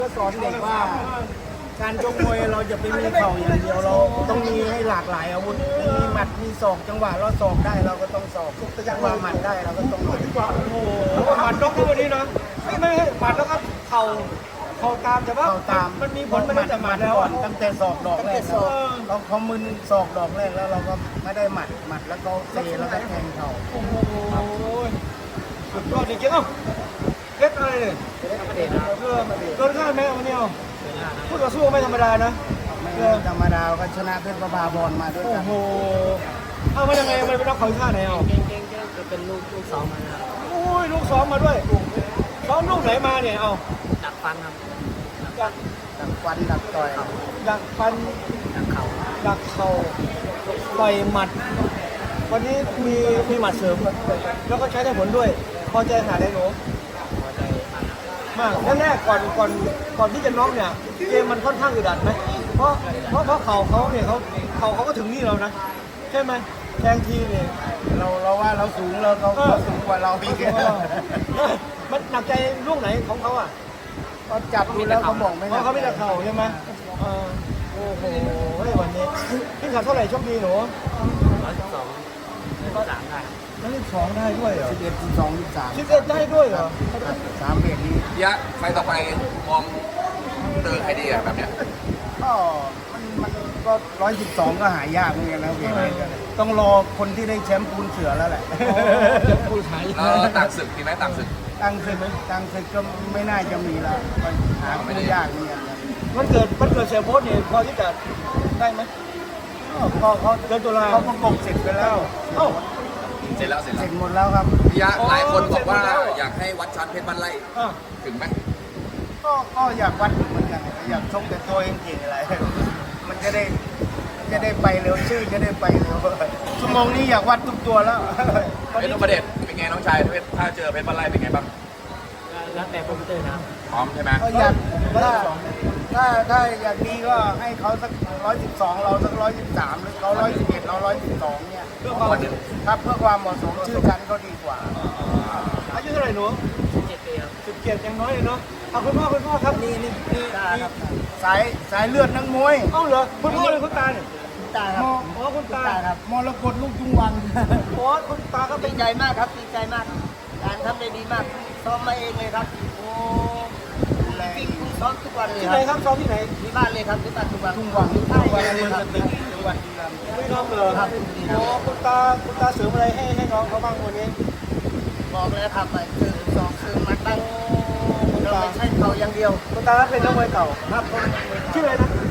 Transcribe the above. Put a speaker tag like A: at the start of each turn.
A: ก็สอนเด็กว่าการชกมวยเราจะไปมีเข่าอย่างเดียวเราต้องมีให้หลากหลายอาวุธมีหมัดมีศอกจังหวะเราศอกได้เราก็ต้องศอกจังหวะหมัดได้เราก็ต้องหมัด
B: โอ้โหหมัดนกที่วันนี้นะไม่หมัดแล้วก็เข่าตามแต่ว่า
A: เข่าตาม
B: มันมีผลไม่ได้แต่หมัดแล้ว
A: ก่อนตั้งแต่ศอกดอกแรกเราพอมึนศอกดอกแรกแล้วเราก็ไม่ได้หมัดแล้วก็เตะแล้วก็แทงเข่า
B: โอ้โหสุดยอดจริงๆเอ้าเล็กอะไรเนี่ยเกินคาดไหมวันนี้เอาพูดต่อสู้ไม่ธรรมดานะ
A: ไม่ธรรมดาก็ชนะเพชรประภาบอลมาด้วย
B: โอ้
A: กัน
B: โหเอามายังไงมันเป็นนักข่อยท่าไหนเอา
C: เก่งจะเป็นลูกสองมาครับ
B: โอ้ยลูกซ้อมมาด้วยซ้อมลูกไหนมาเนี่ยเอา
C: ดักฟันครับ
B: อยาก
A: ดักฟันดักต่อย
B: อยากฟัน
C: ดักเข่า
B: อยากเข่าต่อยหมัด วันนี้มีหมัดเสริมแล้วก็ใช้ได้ผลด้วย พอใจขนาดไหนหนู
C: พอใจมากครับ
B: มากแรกๆก่อนที่จะน็อกเนี่ยเกมมันค่อนข้างอึดอัดไหมเพราะเข่าเขาเนี่ยเขาก็ถึงนี่เรานะใช่ไหมแทงทีเนี่ย
A: เราว่าเราสูงเราเขาสูงกว่าเราอีก
B: มันหนักใจลูกไหนของเขาอ่ะ
A: เขาจับดูแล้วเขาบอกไม่
B: เพราะเขาไม่ได้เข่าใช่ไหมโอ้โหวันนี้พี่ขับเท่าไหร่โชคดีหนู
C: 112ก็3ได้
B: นั่นสองได้ด้วยเหรอ
A: 11 12 13
B: 11ได้ด้วยเหรอ
A: 3เบ็ดนี้
D: ยะไฟต่อไปมองเจอใครดีอะแบบเนี้ย
A: ก็มันก็112ก็หายากเหมือนกันนะเบ็ดนี้ต้องรอคนที่ได้แชมป์ปูนเสือแล้วแหละ
B: จะพูดหาย
D: แล้วต่างศึกมีไหมต่างศึก
A: ตั้งศึกก็ไม่น่าจะมีแล้วหาไม่ได้ยากเหมือนกันนะ
B: มันเกิดเสียโพสเนี่ยพอที่จะได้ไหม
A: ก็เขา
B: เดือนตุลา
A: เขาประกบเสร็จไปแล้ว
B: เอ้า
D: เสร็จแล้ว
A: เสร็จหมดแล้วครับ
D: ยะหลายคนบอกว่า
B: เสร็จหมดแล้ว
D: อยากให้วัดชั้นเพชรบ้านไร่
B: อ่ะ
D: ถึงไหม
A: ก็อยากวัดเหมือนกันอยากชกแต่ตัวเองเก่งอะไร มันจะได้ไปเร็วชื่อจะได้ไปเร็วชั่วโมงนี้อยากวัดทุกตัวแล้ว
D: เป็นอุปเดชเป็นไงน้องชายถ้าเจอเพชรบ้านไร่เป็นไงบ้าง
C: แล้วแต่โปรโมเตอร์นะครับ
D: พร้อมใช่ไหม
A: ก็อยากถ้าอยากดีก็ให้เขาสัก112เราสัก113หรือเขา111เรา112เนี่ย
B: เพื่อความ
A: ครับเพื่อความเหมาะสมชื่อชั้นก็ดีกว่า
B: อายุเท่าไหร่หนู
C: 17 ปีครับ
B: 17ยังน้อยเลยเนาะเอาคุณพ่อครับนี่
A: สายเลือดนักมวย
B: เอ้าเหรอคุณพ่อเลยคุณตาเนี่ย
A: ตาครับ
B: อ๋อคุณตา
A: ครับมรกตลูกจุงวัน
B: โอ้คุณตาก็เป็
E: ดี
B: น
E: ใจมากครับดีใจมากการทำได้ดีมากซ้อมมาเองเลยครับโอ้
A: ดูแล
E: วิ่งซ้อมทุกวันเลย
B: ที่
E: ค
B: ไหน
E: รับ
B: ครับซ้อมที่ไหน
E: ที่บ้านเลยครับที่บ้านทุกวัน
A: ทุ่งวัง
E: ใช่
A: ทุ่งวัง
E: เล
A: เมื
E: ย
A: อง
E: ครั
A: ส
E: บ
A: ตึกจังหวัดบุรีรัมย์
B: ไม่น้องเหรอ
E: ครับ
B: โอ้คุณตาเสริมอะไรให้น้องเขาบ้างวันนี้
E: บอกเลยครับไปคือสองคือมัดตั้งเราไม่ใช่เขาอย่างเดียว
B: คุณตาเป็นนักมวยเก่า
E: ครับผม
B: ชื่ออะไรนะ